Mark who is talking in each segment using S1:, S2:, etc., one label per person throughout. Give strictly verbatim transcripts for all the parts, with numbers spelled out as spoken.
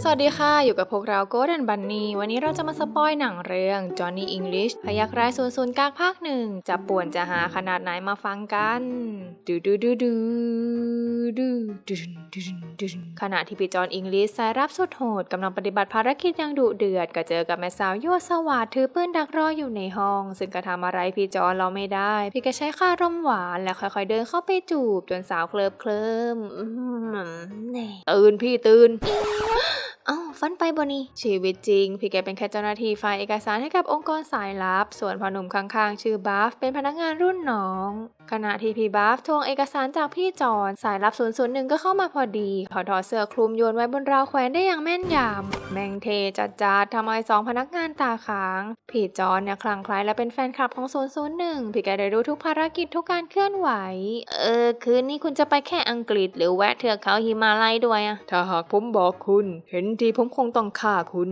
S1: สวัสดีค่ะอยู่กับพวกเราโกลเด้นบันนี่วันนี้เราจะมาสปอยหนังเรื่อง Johnny English พยัคฆ์ร้ายศูนย์ศูนย์กากภาคหนึ่งจะป่วนจะหาขนาดไหนมาฟังกันดูดูดูดูดูดูดูดูขณะที่พี่จอห์นอิงลิชสายรับสุดโหดกำลังปฏิบัติภารกิจอย่างดุเดือดก็เจอกับแม่สาวยั่วสวาทถือปืนดักรออยู่ในห้องซึ่งก็ทำอะไรพี่จอห์นเราไม่ได้พี่ก็ใช้ค่ารมหวานแล้วค่อยๆเดินเข้าไปจูบจนสาวเคลิบเคลิ้มตื่นพี่ตื่นเอ้าฟันไปบนี่ชีวิตจริงพี่แกเป็นแค่เจ้าหน้าที่ฝ่ายเอกสารให้กับองค์กรสายลับส่วนพ่อหนุ่มข้างๆชื่อบัฟเป็นพนักงานรุ่นน้องขณะที่พี่บัฟทวงเอกสารจากพี่จอนสายลับศูนย์ศูนย์หนึ่งก็เข้ามาพอดีขอถอดเสื้อคลุมโยนไว้บนราวแขวนได้อย่างแม่นยำแมงเทจัดจัดทำเอาสองพนักงานตาค้างพี่จอนเนี่ยคลั่งไคล้และเป็นแฟนคลับของศูนย์ศูนย์หนึ่งพี่แกได้รู้ทุกภารกิจทุกการเคลื่อนไหวเออคืนนี้คุณจะไปแค่อังกฤษหรือแวะเทือกเขาหิมาลัยด้วยอะถ้าหากผมบอกคุณเห็นทีผมคงต้องฆ่าคุณ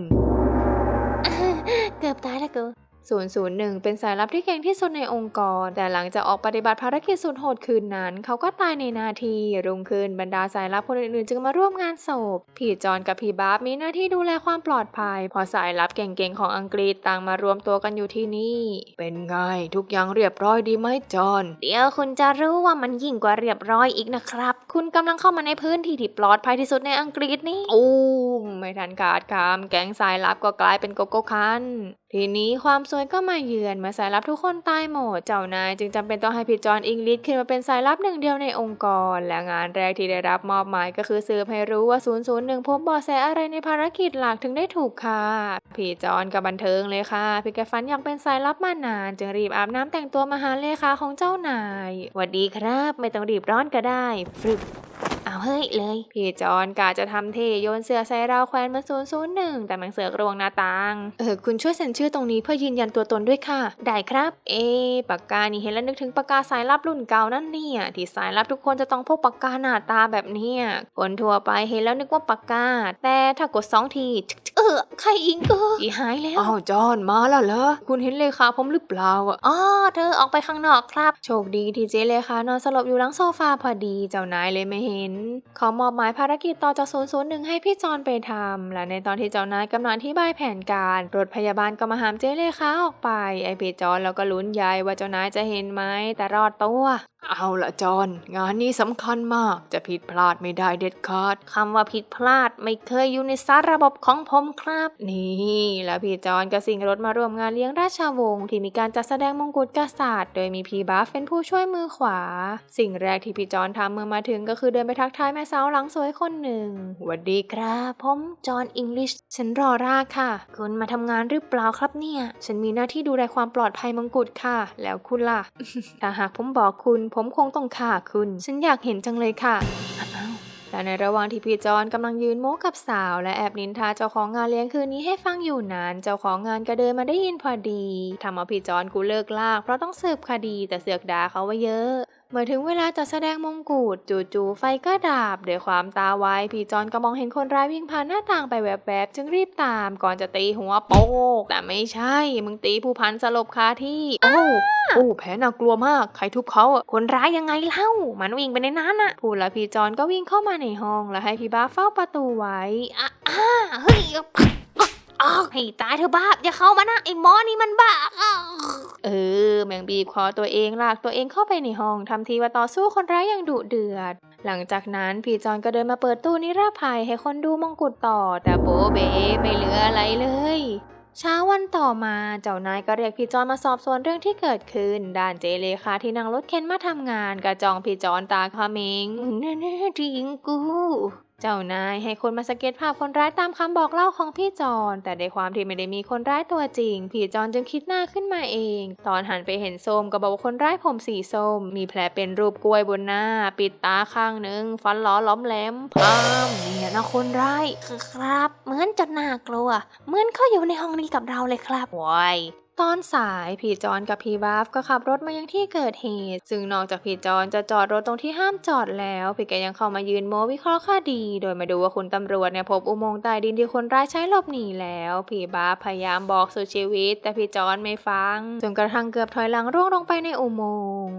S1: เกือบตายแล้วกูศูนย์ศูนย์หนึ่งเป็นสายลับที่เก่งที่สุดในองค์กรแต่หลังจากออกปฏิบัติภารกิจสุดโหดคืนนั้นเขาก็ตายในนาทีรุ่งขึ้นบรรดาสายลับคนอื่นๆจึงมาร่วมงานศพพี่จอนกับพี่บาร์บมีหน้าที่ดูแลความปลอดภัยพอสายลับเก่งๆของอังกฤษต่างมารวมตัวกันอยู่ที่นี่เป็นไงทุกอย่างเรียบร้อยดีไหมจอนเดี๋ยวคุณจะรู้ว่ามันยิ่งกว่าเรียบร้อยอีกนะครับคุณกำลังเข้ามาในพื้นที่ที่ปลอดภัยที่สุดในอังกฤษนี่อู้ไม่ทันขาดคำแก๊งสายลับก็กลายเป็นโกโก้คันทีนี้ความซวยก็มาเยือนเมื่อสายลับทุกคนตายหมดเจ้านายจึงจำเป็นต้องให้พี่จอห์นอิงลิชขึ้นมาเป็นสายลับหนึ่งเดียวในองค์กรและงานแรกที่ได้รับมอบหมายก็คือสืบให้รู้ว่าศูนย์ศูนย์หนึ่งพบเบาะแสอะไรในภารกิจหลักถึงได้ถูกฆ่าพี่จอห์นก็บันเทิงเลยค่ะพี่แกฝันอยากเป็นสายลับมานานจึงรีบอาบน้ำแต่งตัวมาหาเลขาของเจ้านายหวัดดีครับไม่ต้องรีบร้อนก็ได้ฟรึบเอาเฮ้ยเลยพี่จอนกะจะทำเทโยนเสื้อใส่ราวแขวนมาศูนย์ศูนย์หนึ่งแต่มันเสือกรวงหน้าต่างเออคุณช่วยเซ็นชื่อตรงนี้เพื่อยืนยันตัวตนด้วยค่ะได้ครับเอปากกานี่เห็นแล้วนึกถึงปากกาสายลับรุ่นเก่านั่นเนี่ยที่สายลับทุกคนจะต้องพกปากกาหน้าตาแบบเนี้ยคนทั่วไปเห็นแล้วนึกว่าปากกาแต่ถ้ากดสองทีเออใครอิงก็จีหายแล้วอ้าวจอนมาแล้วเหรอคุณเห็นเลขาผมหรือเปล่าอ่ะอ๋อเธอออกไปข้างนอกครับโชคดีที่เจเลขานอนสลบอยู่หลังโซฟาพอดีเจ้านายเลยไม่เห็นขอมอบหมายภารกิจต่อจากศูนย์ศูนย์หนึ่งให้พี่จอนไปทำและในตอนที่เจ้านายกำลังอธิบายแผนการรถพยาบาลก็มาหามเจเลขาออกไปไอพี่จอนแล้วก็ลุ้นใหญ่ว่าเจ้านายจะเห็นไหมแต่รอดตัวเอาละจอนงานนี้สำคัญมากจะผิดพลาดไม่ได้เด็ดขาดคำว่าผิดพลาดไม่เคยอยู่ในสารระบบของผมครับนี่แล้วพี่จอนก็สิงรถมาร่วมงานเลี้ยงราชวงศ์ที่มีการจัดแสดงมงกุฎกษัตริย์โดยมีพี่บัฟเป็นผู้ช่วยมือขวาสิ่งแรกที่พี่จอนทำเมื่อมาถึงก็คือเดินไปทักทายแม่สาวหลังสวยคนหนึ่งสวัสดีครับผมจอนอิงลิชฉันรอราค่ะคุณมาทำงานหรือเปล่าครับเนี่ยฉันมีหน้าที่ดูแลความปลอดภัยมงกุฎค่ะแล้วคุณล่ะ ถ้าหากผมบอกคุณผมคงต้องฆ่าคุณฉันอยากเห็นจังเลยค่ะและในระหว่างที่พี่จอนกำลังยืนโม้กับสาวและแอบนินทาเจ้าของงานเลี้ยงคืนนี้ให้ฟังอยู่นานเจ้าของงานก็เดินมาได้ยินพอดีทำเอาพี่จอนกูเลิกลากเพราะต้องสืบคดีแต่เสือกด่าเขาว่าเยอะเมื่อถึงเวลาจัดแสดงมงกุฎจู่ๆไฟก็ดับด้วยความตาไวพี่จอนก็มองเห็นคนร้ายวิ่งผ่านหน้าต่างไปแวบๆจึงรีบตามก่อนจะตีหัวโป๊กแต่ไม่ใช่มึงตีผู้พันสลบคาที่โอ้โอ้แผลน่ากลัวมากใครทุบเขาอ่ะคนร้ายยังไงเล่ามันวิ่งไปในนั้นอ่ะพูดแล้วพี่จอนก็วิ่งเข้ามาในห้องแล้วให้พี่บ้าเฝ้าประตูไว้อ่ะอ่ะเฮ้ยอ้าวให้ตายเธอบ้าอย่าเข้ามานะไอ้หมอนี่มันบ้าเออแมงบีบคอตัวเองลากตัวเองเข้าไปในห้องทำทีว่าต่อสู้คนร้ายอย่างดุเดือดหลังจากนั้นพี่จอนก็เดินมาเปิดตู้นิรภัยให้คนดูมงกุฎต่อแต่โบเบไม่เหลืออะไรเลยเช้าวันต่อมาเจ้านายก็เรียกพี่จอนมาสอบสวนเรื่องที่เกิดขึ้นด้านเจเลขาที่นั่งรถเข็นมาทำงานกระจองพี่จอนตาเขม็งแน่ๆจริงกูเจ้านายให้คนมาสเก็ตภาพคนร้ายตามคำบอกเล่าของพี่จอนแต่ในความที่ไม่ได้มีคนร้ายตัวจริงพี่จอนจึงคิดหน้าขึ้นมาเองตอนหันไปเห็นส้มก็บอกว่าคนร้ายผมสีส้มมีแผลเป็นรูปกล้วยบนหน้าปิดตาข้างหนึ่งฟันหลอล้อมแหลมพามเนี่ยนะคนร้ายครับเหมือนจะน่ากลัวเหมือนเขาอยู่ในห้องนี้กับเราเลยครับวายตอนสายพี่จอนกับพี่บัฟก็ขับรถมายังที่เกิดเหตุซึ่งนอกจากพี่จอนจะจอดรถตรงที่ห้ามจอดแล้วพี่แกยังเข้ามายืนโม้วิเคราะห์คดีโดยมาดูว่าคุณตำรวจเนี่ยพบอุโมงค์ใต้ดินที่คนร้ายใช้หลบหนีแล้วพี่บัฟพยายามบอกสุดชีวิตแต่พี่จอนไม่ฟังจนกระทั่งเกือบถอยหลังร่วงลงไปในอุโมงค์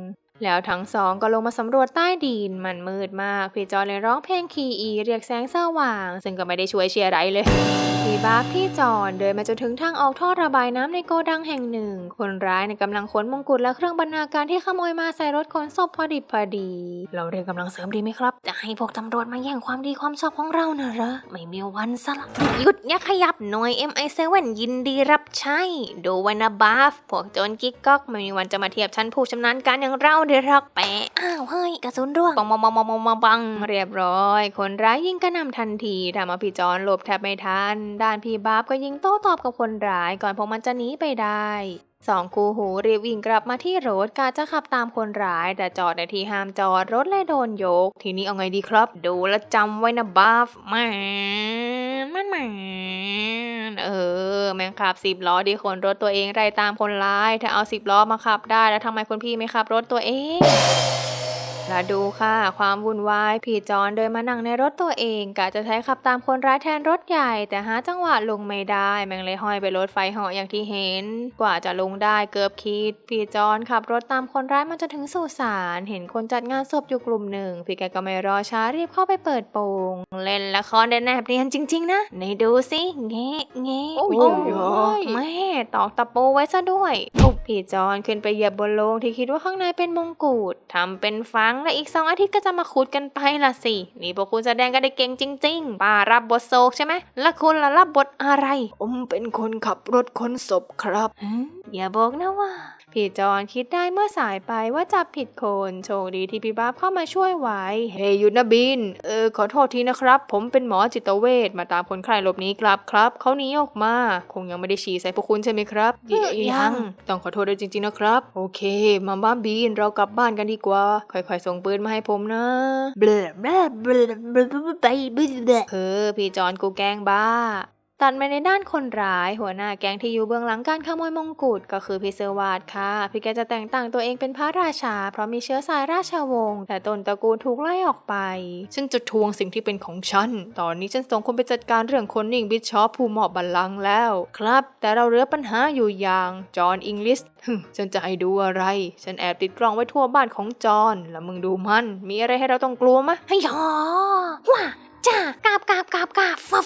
S1: แล้วทั้งสองก็ลงมาสำรวจใต้ดินมันมืดมากพี่จอนเลยร้องเพลงคีอีเรียกแสงสว่างซึ่งก็ไม่ได้ช่วยเชียร์ไรเลยพี่บาฟพี่จอนเดินมาจนถึงทางออกท่อระบายน้ำในโกดังแห่งหนึ่งคนร้ายในกำลังขนมงกุฎและเครื่องบรรณาการที่ขโมยมาใส่รถขนศพพอดิบพอดีเราเรียกกำลังเสริมดีไหมครับจะให้พวกตำรวจมาแย่งความดีความชอบของเรานะเหรอไม่มีวันซะละหยุดอย่าขยับหน่วย เอ็ม ไอ เซเว่น ยินดีรับใช้ดูไว้นะบาฟพวกโจรกิ๊กก๊อกไม่มีวันจะมาเทียบชั้นผู้ชำนาญการอย่างเราเดี๋ยวรักแปะอ้าวเฮ้ยกระสุนร่วงปังปังปังปังปังปังปังเรียบร้อยคนร้ายยิงกระหน่ำทันทีทำเอาพี่จอนหลบแทบไม่ทันด้านพี่บาฟก็ยิงโต้ตอบกับคนร้ายก่อนพวกมันจะหนีไปได้สองคู่หูรีบวิ่งกลับมาที่รถกาจะขับตามคนร้ายแต่จอดในที่ห้ามจอดรถเลยโดนยกทีนี้เอาไงดีครับดูแลจำไว้นะบาฟแม่มันแม่เออแม่งขับสิบล้อดีคนรถตัวเองไล่ตามคนร้ายถ้าเอาสิบล้อมาขับได้แล้วทำไมคุณพี่ไม่ขับรถตัวเองแล้วดูค่ะความวุ่นวายพี่จอนเดินมานั่งในรถตัวเองกะจะใช้ขับตามคนร้ายแทนรถใหญ่แต่หาจังหวะลงไม่ได้แม่งเลยห้อยไปรถไฟเหาะอย่างที่เห็นกว่าจะลงได้เกือบคิดพี่จอนขับรถตามคนร้ายมันจะถึงสุสานเห็นคนจัดงานศพอยู่กลุ่มหนึ่งพี่แกก็ไม่รอช้ารีบเข้าไปเปิดโปงเล่นละครได้แนบเนียนจริงๆนะไหนดูสิเงี้เงี้โอ้ยแม่ตอกตะปูไว้ซะด้วยทุบพี่จอนขึ้นไปเหยียบบนโลงที่คิดว่าข้างในเป็นมงกุฎทำเป็นฟังและอีกสองอาทิตย์ก็จะมาขุดกันไปล่ะสินี่พวกคุณแสดงกันได้เก่งจริงๆป้ารับบทโศกใช่ไหมแล้วคุณล่ะรับบทอะไรผมเป็นคนขับรถขนศพครับอย่าบอกนะว่าพี่จอนคิดได้เมื่อสายไปว่าจับผิดคนโชคดีที่พี่บ้าเข้ามาช่วยไว้เฮ้ยหยุดนะบินเออขอโทษทีนะครับผมเป็นหมอจิตเวชมาตามคนไข้หลบหนีกลับครับเขาหนีออกมาคงยังไม่ได้ฉี่ใส่พวกคุณใช่ไหมครับยังต้องขอโทษด้วยจริงๆนะครับโอเคมาบ้านบินเรากลับบ้านกันดีกว่าค่อยๆส่งปืนมาให้ผมนะเบลอเบลอเบลอเบลอไปเบลอเออพี่จอนกูแกล้งบ้าตัดมาในด้านคนร้ายหัวหน้าแก๊งที่อยู่เบื้องหลังการขโมยมงกุฎก็คือพี่เซอร์วาดค่ะพี่แกจะแต่งตั้งตัวเองเป็นพระราชาเพราะมีเชื้อสายราชวงศ์แต่ต้นตระกูลถูกไล่ออกไปฉันจะทวงสิ่งที่เป็นของฉันตอนนี้ฉันส่งคนไปจัดการเรื่องคนนิ่งบิชอปผู้มอบบัลลังก์แล้วครับแต่เราเหลือปัญหาอยู่อย่างจอห์นอิงลิสฉันจะให้ดูอะไรฉันแอบติดกล้องไว้ทั่วบ้านของจอห์นแล้วมึงดูมันมีอะไรให้เราต้องกลัวมะให้ยอว้าจ้ากาบกาบกาบกาบฟับ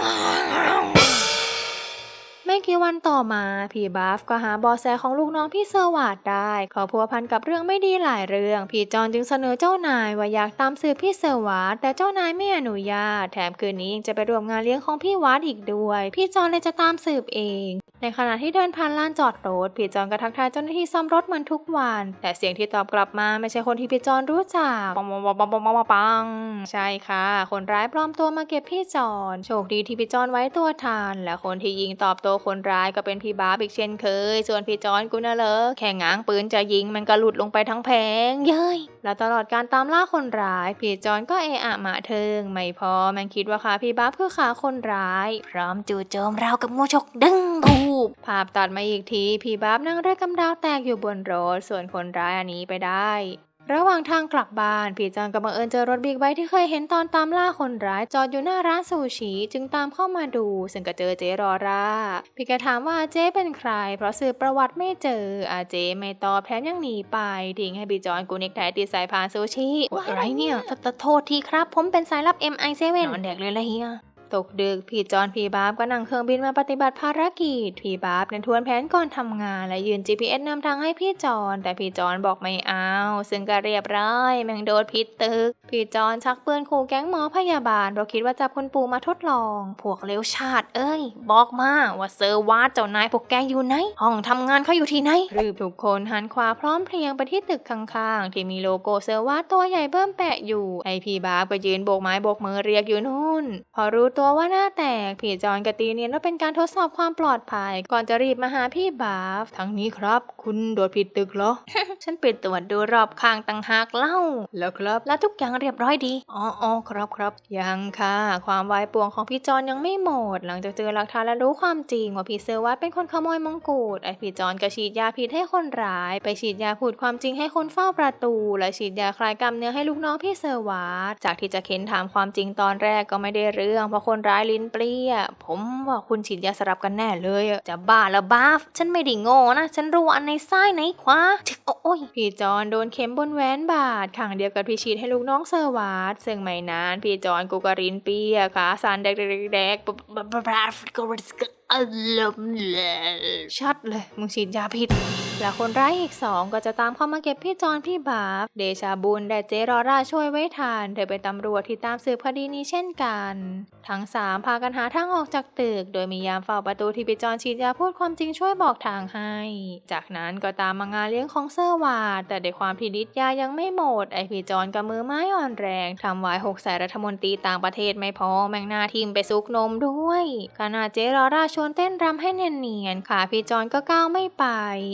S1: ไม่กี่วันต่อมาพี่บัฟก็หาเบาะแสของลูกน้องพี่เซอร์วาดได้เขาพัวพันกับเรื่องไม่ดีหลายเรื่องพี่จอนจึงเสนอเจ้านายว่าอยากตามสืบพี่เซอร์วาดแต่เจ้านายไม่อนุญาตแถมคืนนี้ยังจะไปร่วมงานเลี้ยงของพี่วาดอีกด้วยพี่จอนเลยจะตามสืบเองในขณะที่เดินผ่านลานจอดรถพี่จอนก็ทักทายเจ้าหน้าที่ซ่อมรถเหมือนทุกวันแต่เสียงที่ตอบกลับมาไม่ใช่คนที่พี่จอนรู้จักปังปังปังปังปังปังปังใช่ค่ะคนร้ายปลอมตัวมาเก็บพี่จอนโชคดีที่พี่จอนไว้ตัวทันและคนที่ยิงตอบโต้คนร้ายก็เป็นพี่บาร์บอีกเช่นเคยส่วนพี่จอนกูน่ะเหรอแค่ง้างปืนจะยิงมันก็หลุดลงไปทั้งแผงเย้ยแล้วตลอดการตามล่าคนร้ายพี่จอนก็เอะอะหมาเทิงไม่พอมันคิดว่าขาพี่บาร์บคือขาคนร้ายพร้อมจู่โจมราวกับงูฉกดึงตูบภาพตัดมาอีกทีพี่บาร์บนั่งเรือกำดาวแตกอยู่บนรถส่วนคนร้ายอันนี้ไปได้ระหว่างทางกลับบ้านพี่จอนก็บังเอิญเจอรถบิ๊กไบค์ที่เคยเห็นตอนตามล่าคนร้ายจอดอยู่หน้าร้านซูชิจึงตามเข้ามาดูซึ่งก็เจอเจรอราพี่แกถามว่าเจ๊เป็นใครเพราะสืบประวัติไม่เจออาเจ๊ไม่ตอบแถมยังหนีไปทิ้งให้พี่จอนกูเน็กไทติดสายพานซูชิอะไรเนี่ยโทษทีครับผมเป็นสายลับ เอ็ม ไอ เซเว่น นอนแดกเลยละเฮียตกดึกพี่จอนพี่บาบก็นั่งเครื่องบินมาปฏิบัติภารกิจพี่บาบนั้นทวนแผนก่อนทำงานและยืน จี พี เอส นำทางให้พี่จอนแต่พี่จอนบอกไม่เอาซึ่งก็เรียบร้อยแม่งโดนพิษตึกพี่จอนชักปืนขู่แก๊งหมอพยาบาลเพราะคิดว่าจับคนปู่มาทดลองพวกเลวชาติเอ้ยบอกมาว่าเซอร์วาดเจ้านายพวกแกอยู่ไหนห้องทำงานเขาอยู่ที่ไหนรีบทุกคนหันขวาพร้อมเพรียงไปที่ตึกข้างๆที่มีโลโก้เซอร์วาดตัวใหญ่เบิ่มแปะอยู่ไอพี่บาบก็ยืนโบกไม้โบกมือเรียกอยู่นู่นพอรู้ตัวว่าหน้าแตกพี่จอนกตีเนียนว่าเป็นการทดสอบความปลอดภัยก่อนจะรีบมาหาพี่บาฟทั้งนี้ครับคุณโดดผิดตึกเหรอ ฉันไปตรวจดูรอบข้างต่างหากเล่าแล้วครับแล้วทุกอย่างเรียบร้อยดีอ๋ออ๋อครับครับยังค่ะความวายป่วงของพี่จอนยังไม่หมดหลังจากเจอหลักฐานและรู้ความจริงว่าพี่เซอร์วัตเป็นคนขโมยมงกุฎไอพี่จอนก็ฉีดยาพิษให้คนร้ายไปฉีดยาพูดความจริงให้คนเฝ้าประตูและฉีดยาคลายกล้ามเนื้อให้ลูกน้องพี่เซอร์วัตจากที่จะเค้นถามความจริงตอนแรกก็ไม่ได้เรื่องเพราะคนคนร้ายลิ้นเปรี้ยผมว่าคุณฉีดยาสลับกันแน่เลยจะบ้าละบ้าฉันไม่ได้โง่นะฉันรู้อันในซ้ายไหนขวาโอ้ยพี่จอนโดนเข็มบนแหวนบาดข้างเดียวกับพี่ฉีดให้ลูกน้องเซอร์วาดซึ่งไม่นานพี่จอนกูก็ลิ้นเปรี้ยขาสั่นแดกๆๆอารมณ์เลยชัดเลยมึงฉีดยาผิดและคนร้ายอีกสองก็จะตามเข้ามาเก็บพี่จอนพี่บาฟเดชาบุญและเจรอราช่วยไว้ทันเธอเป็นตำรวจที่ตามสืบคดีนี้เช่นกันทั้งสามพากันหาทางออกจากตึกโดยมียามเฝ้าประตูที่พี่จอนฉีดยาพูดความจริงช่วยบอกทางให้จากนั้นก็ตามมางานเลี้ยงของเซอร์วาดแต่ด้วยความที่ฤทธิ์ยายังไม่หมดไอพี่จอนกับมือไม้อ่อนแรงทำไว้หกใส่รัฐมนตรีต่างประเทศไม่พอแมงนาทีมไปซุกนมด้วยขณะเจรอราชวนเต้นรำให้เนียนๆขาพี่จอนก็ก้าวไม่ไป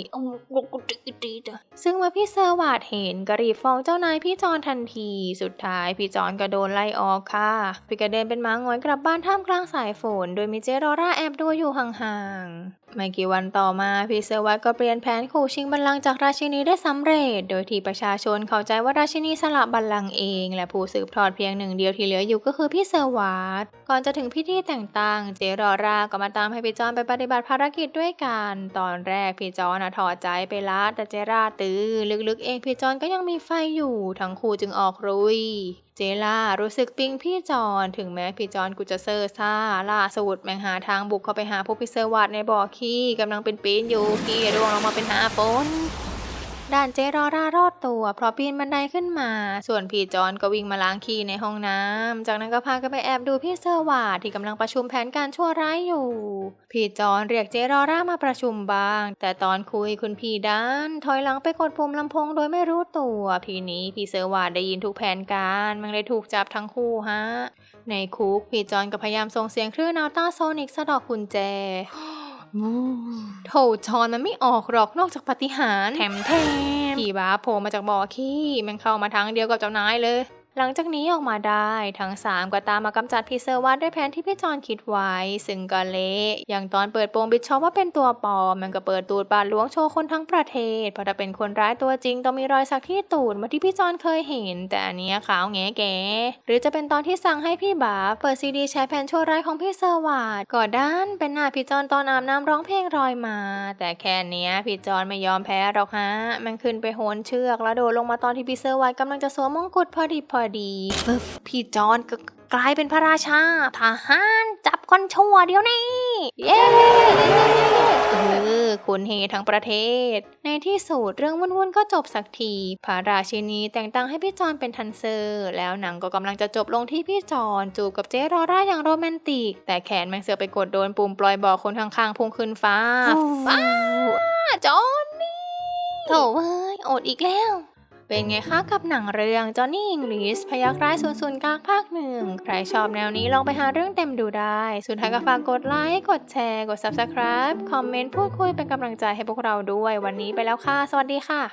S1: ซึ่งเมื่อพี่เซอร์วาดเห็นก็รีบฟ้องเจ้านายพี่จอนทันทีสุดท้ายพี่จอนก็โดนไล่ออกค่ะพี่ก็เดินเป็นม้าง้อยกลับบ้านท่ามกลางสายฝนโดยมีเจรอราแอบดูอยู่ห่างๆไม่กี่วันต่อมาพี่เซอร์วาดก็เปลี่ยนแผนขู่ชิงบัลลังก์จากราชินีได้สำเร็จโดยที่ประชาชนเข้าใจว่าราชินีสละบัลลังก์เองและผู้สืบทอดเพียงหนึ่งเดียวที่เหลืออยู่ก็คือพี่เซอร์วาดก่อนจะถึงพิธีแต่งตั้งเจรอราก็มาตามให้พี่จอนไปปฏิบัติภารกิจด้วยกันตอนแรกพี่จอนถอดใจไปละแต่เจราตื้อลึกๆเองพี่จอนก็ยังมีไฟอยู่ทั้งคู่จึงออกรุยเจล่ารู้สึกปิ๊งพี่จอนถึงแม้พี่จอนกูจะเซอร์ซ่าล่าสุดแมงหาทางบุกเข้าไปหาพวกพี่เซอร์วัดในบ่อขี้กำลังเป็นปีนอยู่ขี้ร่วงลงมาเป็นหาฝนด้านเจรอรารอดตัวเพราะปีนบันไดขึ้นมาส่วนพี่จอนก็วิ่งมาล้างขี้ในห้องน้ำจากนั้นก็พากันไปแอบดูพี่เซอร์วาดที่กำลังประชุมแผนการชั่วร้ายอยู่พี่จอนเรียกเจรอรามาประชุมบ้างแต่ตอนคุยคุณพี่ด้านถอยหลังไปกดปุ่มลำโพงโดยไม่รู้ตัวทีนี้พี่เซอร์วาดได้ยินทุกแผนการมันเลยถูกจับทั้งคู่ฮะในคุกพี่จอนก็พยายามส่งเสียงคลื่นอัลตราโซนิกสะดอกกุญแจโถจอนมันไม่ออกหรอกนอกจากปาฏิหาริย์แถมแถมพี่บ้าโผล่มาจากบ่อขี้มันเข้ามาทางเดียวกับเจ้านายเลยหลังจากนี้ออกมาได้ทั้งสามก็ตามมากำจัดพี่เซอร์วัดด้วยแผนที่พี่จอนคิดไว้ซึ่งก็เละอย่างตอนเปิดโปงบิชชอปว่าเป็นตัวปลอมมันก็เปิดตูดบาดหลวงโชว์คนทั้งประเทศเพราะถ้าเป็นคนร้ายตัวจริงต้องมีรอยสักที่ตูดเหมือนที่พี่จอนเคยเห็นแต่อันนี้ขาวแง่แก่หรือจะเป็นตอนที่สั่งให้พี่บาเปิดซีดีแชร์แผนชั่วร้ายของพี่เซอร์วัดก็ด้านเป็นหน้าพี่จอนตอนอาบน้ำร้องเพลงรอยมาแต่แค่นี้พี่จอนไม่ยอมแพ้หรอกฮะมันขึ้นไปโหนเชือกแล้วโดดลงมาตอนที่พี่เซอร์วัดกำลังจะสวมมงกุฎพอดีพอดีฟึบพี่จอนก็กลายเป็นพระราชาทหารจับคนชั่วเดียวนี้เย้เออคุณเฮทั้งประเทศในที่สุดเรื่องวุ่นๆก็จบสักทีพระราชินีแต่งตั้งให้พี่จอนเป็นทันเซอร์แล้วหนังก็กำลังจะจบลงที่พี่จอนจูบกับเจรอราอย่างโรแมนติกแต่แขนแมงเสือไปกดโดนปุ่มปล่อยบอกคนข้างๆพุ่งขึ้นฟ้าฟ้าจอนนี่โถ่เว้ยอดอีกแล้วเป็นไงคะกับหนังเรื่อง Johnny English พยัคฆ์ร้ายศูนย์ศูนย์กลางภาคหนึ่งใครชอบแนวนี้ลองไปหาเรื่องเต็มดูได้สุดท้ายก็ฝากกดไลค์กดแชร์กด ซับสไครบ์ คอมเมนต์พูดคุยเป็นกำลังใจให้พวกเราด้วยวันนี้ไปแล้วค่ะสวัสดีค่ะ